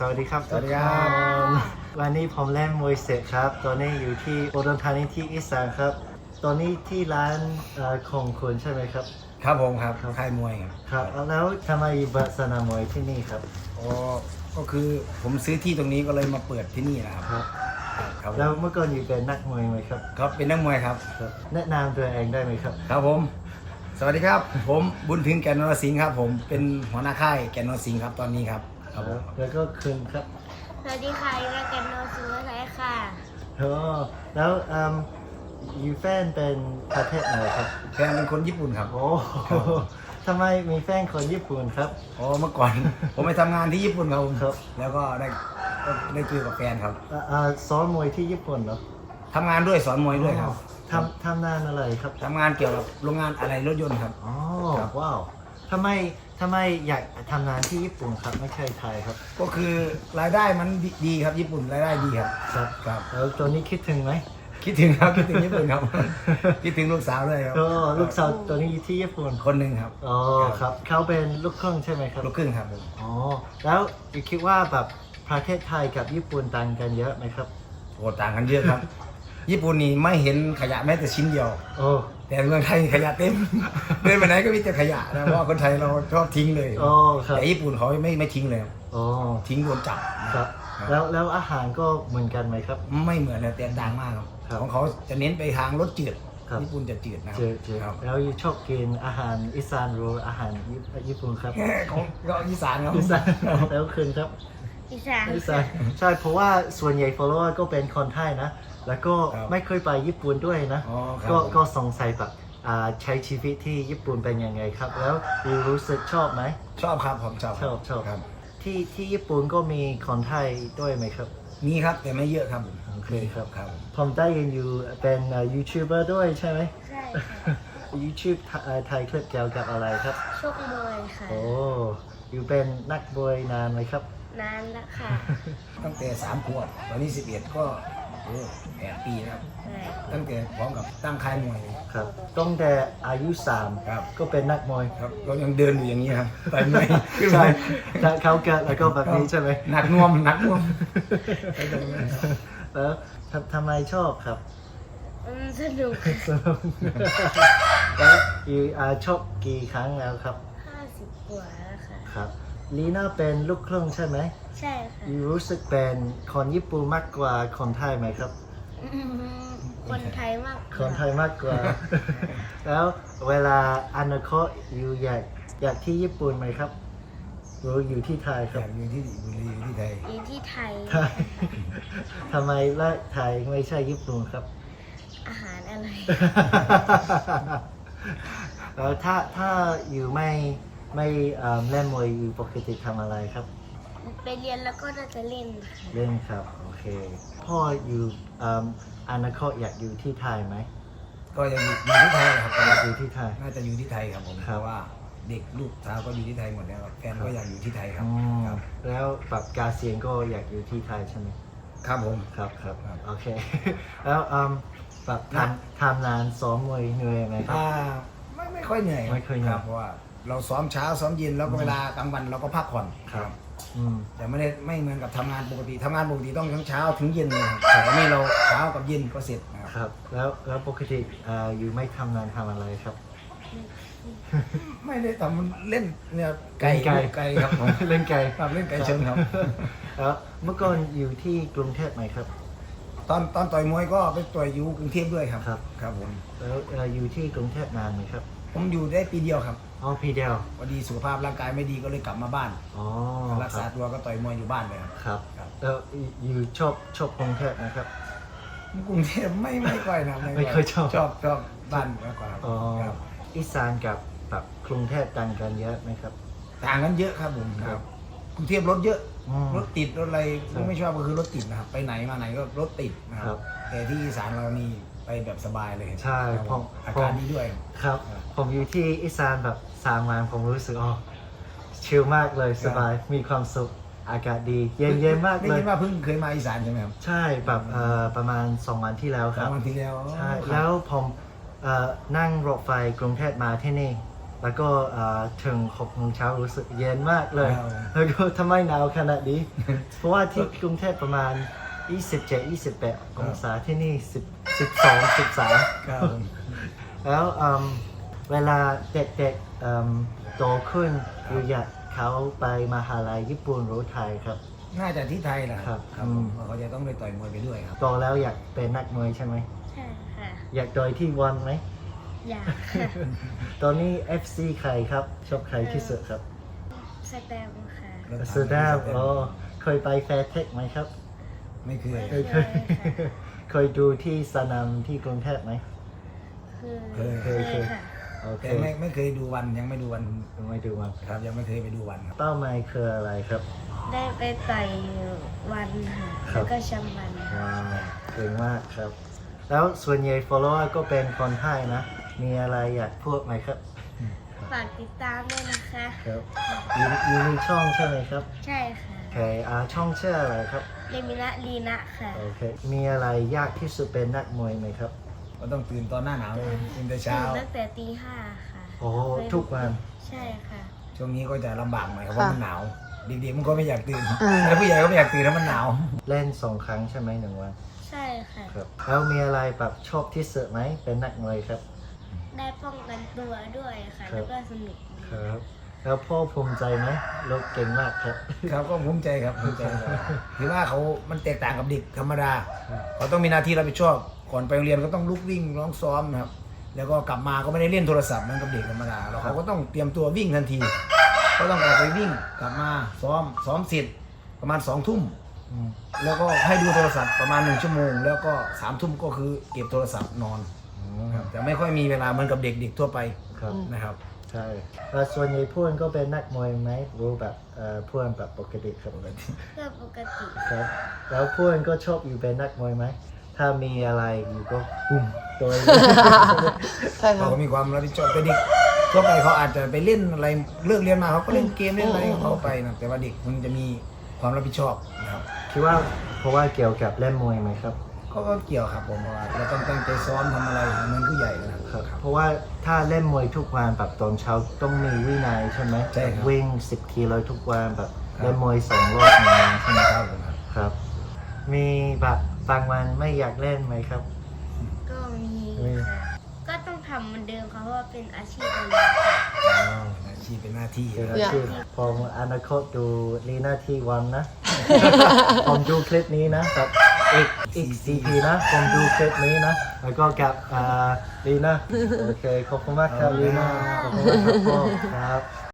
สวัสดีครับสวัสดีครับวันนี้ผมเล่นมวยเสร็จครับตอนนี้อยู่ที่อุดรธานีที่อีสานครับตอนนี้ที่ร้านของคุณใช่ไหมครับครับผมครับค่ายมวยครับครับแล้วทำไมเปิดสนามมวยที่นี่ครับอ๋อก็คือผมซื้อที่ตรงนี้ก็เลยมาเปิดที่นี่นะครับครับครับแล้วเมื่อก่อนอยู่เป็นนักมวยไหมครับครับเป็นนักมวยครับครับแนะนำตัวเองได้ไหมครับครับผม สวัสดีครับ ผมบุญถึงแก่นนรสิงห์ครับ ผมเป็นหัวหน้าค่ายแก่นนรสิงห์ครับตอนนี้ครับครับผมแล้วก็คุณครับสวัสดีค่ะยูราแกนโนซูไทยค่ะอ๋อแล้วอยู่แฟนเป็นประเทศไหนครับแฟนเป็นคนญี่ปุ่นครับโอ้ทำไมมีแฟนคนญี่ปุ่นครับอ๋อเมื่อก่อน ผมไปทำงานที่ญี่ปุ่นครับผมครับแล้วก็ได้เจอกับแฟนครับซ้อมมวยที่ญี่ปุ่นเหรอทำงานด้วยสอนมวยด้วยครับทำนานอะไรครับทำงานเกี่ยวกับโรงงานอะไรรถยนต์ครับอ๋อครับว้าวทำไมอยากทำงานที่ญี่ปุ่นครับไม่ใช่ไทยครับก็คือรายได้มันดีครับญี่ปุ่นรายได้ดีครับครับครับแล้วตอนนี้คิดถึงไหมคิดถึงครับคิดถึงญี่ปุ่นครับ คิดถึงลูกสาวด้วยครับก็ลูกสาวตอนนี้อยู่ที่ญี่ปุ่นคนหนึ่งครับอ๋อครับเขาเป็นลูกครึ่งใช่ไหมครับลูกครึ่งครับผมอ๋อแล้วคิดว่าแบบประเทศไทยกับญี่ปุ่นต่างกันเยอะไหมครับโอ้ต่างกันเยอะครับ ญี่ปุ่นนี่ไม่เห็นขยะแม้แต่ชิ้นเดียวโอ้แต่เมืองไทยขยะเต็ม เดินไปไหนก็มีแต่ขยะนะเพราะว่าคนไทยเราชอบทิ้งเลยโอ้ครับแต่ญี่ปุ่นเขาไม่ทิ้งเลยครับโอ้ทิ้งโดนจับครับครับแล้วอาหารก็เหมือนกันไหมครับไม่เหมือนนะแต่ต่างมากครับครับของเขาจะเน้นไปทางรสจืดครับญี่ปุ่นจะจืดนะครัเจอครับแล้วชอบกินอาหารอีสานหรืออาหารญี่ปุ่นครับของก็อีสานครับอีสานแล้วคืนครับอีสานอีสานใช่เพราะว่าส่วนใหญ่ follower ก็เป็นคนไทยนะ แล้วก็ครับไม่เคยไปญี่ปุ่นด้วยนะอ๋อครับก็สงสัยแบบใช้ชีวิตที่ญี่ปุ่นเป็นยังไงครับ แล้วรู้สึกชอบไหมชอบครับผมชอบชอบครับที่ญี่ปุ่นก็มีคนไทยด้วยไหมครับมีครับแต่ไม่เยอะครับผมโอเคครับครับผมได้ยินอยู่เป็นยูทูบเบอร์ด้วยใช่ไหมใช่ค่ะ YouTube ไทยคลิปเกี่ยวกับอะไรครับโชคมวยค่ะโอ้อยู่เป็นนักบวยนานไหมครับนานแล้วค่ะตั้งแต่3 ขวบตอนนี้11ก็โอ้8 ปีแล้วใช่ตั้งแต่พร้อมกับตั้งค่ายมวยครับตั้งแต่อายุครับ 3ก็เป็นนักมวยครับก็ยังเดินอยู่อย่างนี้ครับไปไม่ขึ้นใช่ไปเขาเกิดแล้วก็แบบนี้ใช่ไหมหนักน่วมหนักน่วมแล้วทำไมชอบครับสนุกแล้วอยู่ชอบกี่ครั้งแล้วครับ 50 กว่าแล้วค่ะครับลีน่าเป็นลูกครึ่งใช่ไหมใช่ค่ะอยู่รู้สึกเป็นคนญี่ปุ่นมากกว่าคนไทยไหมครับคนไทยมากกว่าคนไทยมากกว่า แล้วเวลาอนาคตอยู่อยากที่ญี่ปุ่นไหมครับหรืออยู่ที่ไทยคอรับยากอยู่ที่บุรีอยู่ที่ไทยอยู่ที่ไทยไทย ทำไมละไทยไม่ใช่ญี่ปุ่นครับอาหารอะไรแล้วถ้าอยู่ไม่เล่นมวยอยู่ปกติทำอะไรครับไปเรียนแล้วก็น่าจะเล่นค่ะเล่นครับโอเค พ่ออยู่อนาคตอยากอยู่ที่ไทยไหมก็ยังอยู่ที่ไทยครับอยากอยู่ที่ไทยน่าจะอยู่ที่ไทยครับผมครับเพราะว่าเด็กลูกสาวก็อยู่ที่ไทยหมดแล้วครับแฟนก็อยากอยู่ที่ไทยครับอ๋อครับแล้วแบบกาเซียนก็อยากอยู่ที่ไทยใช่ไหมครับผมครับครับโอเค แล้วแบบทำนานซ้อมมวยเหนื่อยไหมครับไม่ค่อยเหนื่อยไม่ค่อยเหนื่อยรับเพราะว่าเราซ้อมเช้าซ้อมเย็นแล้วก็เวลากลางวันเราก็พักผ่อนครับอืมแต่ไม่เหมือนกับทำงานปกติทำงานปกติต้องทั้งเช้าถึงเย็นเลยครับแต่อันนี้เราเช้ากับเย็นก็เสร็จนะครับครับ แล้วปกติอยู่ไม่ทำงานทำอะไรครับไม่ได้ทำเล่นเนี่ยเล่นไก่ไก่ครับผมเล่นไก่ครับเล่นไก่เชิงครับแล้วเมื่อก่อนอยู่ที่กรุงเทพไหมครับตอนต่อยมวยก็ไปต่อยอยู่กรุงเทพด้วยครับครับครับผมแล้วอยู่ที่กรุงเทพนานไหมครับผมอยู่ได้ปีเดียวครับอ๋อพี่เดียวพอดีสุขภาพร่างกายไม่ดีก็เลยกลับมาบ้านอ๋อรักษาตัวก็ต่อยมวยอยู่บ้านเลยครับครับครับแล้วอยู่ชอบกรุงเทพนะครับกรุงเทพไม่ค่อยนะไม่ค่อยชอบชอบบ้านมากกว่าอ๋อครับอีสานกับแบบกรุงเทพต่างกันเยอะไหมครับต่างกันเยอะครับผมครับกรุงเทพรถเยอะอืมรถติดรถอะไรครับไม่ชอบก็คือรถติดนะครับไปไหนมาไหนก็รถติดนะคครัรับ บแต่ที่อีสานเรานี่ไปแบบสบายเลยใช่ครับผมอากาศดีด้วยครับครับผมอยู่ที่อีสานแบบ3 วันผมรู้สึกชิลมากเลยสบายมีความสุขอากาศดีเย็นมากได้เลยยินว่าเพิ่งเคยมาอีสานใช่ไหมครับใช่แบบประมาณ2 วันที่แล้วคสารัมบวันที่แล้วใช่ครับแล้วผมนั่งรถไฟกรุงเทพมาที่นี่แล้วก็ถึง6 โมงเช้ารู้สึกเย็นมากเลยครับแล้วก็ทำไมหนาวขนาดนี้ เพราะว่าที่กรุงเทพประมาณ 27-28 องศาที่นี่12-13 ครับผมแล้วเวลาเด็กๆโตขึ้นอยู่อยากเขาไปมหาลัยญี่ปุ่นหรือไทยครับน่าจะที่ไทยแหละครับครับผมเพราะเขาจะต้องไปต่อยมวยไปด้วยครับโตแล้วอยากเป็นนักมวยใช่ไหมใช่ค่ะอยากโดยที่วันไหมอยากค่ะตอนนี้ FC ใครครับ ชอบใครที่สุดครับสแตมป์ค่ะสแตมป์อ๋อเคยไปแฟร์เทคไหมครับไม่เคยไม่เคย เคยดูที่สนามที่กรุงเทพไหมเคยค่ะโอเคแต่ไม่เคยดูวันยังไม่ดูวันไม่ดูวันครับยังไม่เคยไปดูวันครับเป้าหมายคืออะไรครับได้ไปต่อยวันค่ะครับแล้วก็แชมป์วันว้าวเก่งมากครับ แล้วส่วนใหญ่ follower ก็เป็นคนไทยนะ มีอะไรอยากพูดไหมครับฝากติดตามด้วยนะคะครับยูมีช่องใช่ไหมครับใช่ค่ะโอเคช่องชื่ออะไรครับเลมินะลีนะค่ะโอเค มีอะไรยากที่สุดเป็นนักมวยไหมครับก็ต้องตื่นตอนหน้าหนาวตื่นแต่เช้าตั้งแต่ตี 5 ค่ะโอ้ทุกวันใช่ค่ะช่วงนี้ก็จะลำบากหน่อยครับเพราะมันหนาวเด็กๆมันก็ไม่อยากตื่นอ่าแต่ผู้ใหญ่ก็ไม่อยากตื่นถ้ามันหนาวเล่น2 ครั้งใช่ไหม1 วันใช่ค่ะครับ แล้วมีอะไรแบบชอบที่สุดไหมเป็นนักมวยครับได้ป้องกันตัวด้วยค่ะครับแล้วก็สนุกดีครับ แล้วพ่อภูมิใจไหมลูกเก่งมากครับครับก็ภูมิใจครับภูมิใจถือว่าเขามันแตกต่างกับเด็กธรรมดาเขาต้องมีหน้าที่รับผิดชอบก่อนไปโรงเรียนก็ต้องลุกวิ่งร้องซ้อมนะครับแล้วก็กลับมาก็ไม่ได้เล่นโทรศัพท์เหมือนกับเด็กธรรมดาแล้วเขาก็ต้องเตรียมตัววิ่งทันทีก็ต้องออกไปวิ่งกลับมาซ้อมเสร็จประมาณ2 ทุ่มอืมแล้วก็ให้ดูโทรศัพท์ประมาณ1 ชั่วโมง แล้วก็3 ทุ่มก็คือเก็บโทรศัพท์นอนครับแต่ไม่ค่อยมีเวลาเหมือนกับเด็กๆทั่วไปครับนะครับใช่แล้วส่วนใหญ่เพื่อนก็เป็นนักมวยไหมรู้แบบเพื่อนแบบปกติครับเพื่อปกติครับ แล้วเพื่อนก็ชอบอยู่เป็นนักมวยไหม ถ้ามีอะไรอยู่ก็ปุ้มตัวเองใช่ครัเขาบก็มีความรับผิดชอบแต่เด็กทั่วไปเขาอาจจะไปเล่นอะไรเลิกเรียนมาเขาก็เล่นเกมเล่นอะไรของเขาไปนะแต่ว่าเด็กมันจะมีความรับผิดชอบนะครับคิดว่าเพราะว่าเกี่ยวกับเล่นมวยไหมครับก็เกี่ยวครับผมเพราะว่าเราต้องตั้งใจซ้อมทำอะไรเหมือนผู้ใหญ่นะครับเพราะว่าถ้าเล่นมวยทุกวันแบบตอนเช้าต้องมีวินัยใช่ไหมใช่ครับวิ่ง10 กิโลทุกวันแบบครับเล่นมวย2 รอบในวันใช่ไหมครับผมครับครับ มีแบบบางวันไม่อยากเล่นไหมครับก็มีมีค่ะ ก็ต้องทำเหมือนเดิมค่ะเพราะว่าเป็นอาชีพเราอาชีพเป็นหน้าที่คือนะอาชีพพออนาคตดูลีน่าที่วันนะ ผมดูคลิปนี้นะแบบอีก4 ปีนะผมดูคลิปนี้นะ แล้วก็กับลีน่าโอเคขอบคุณมากครับลีน่าขอบคุณมากครับพ่อครับ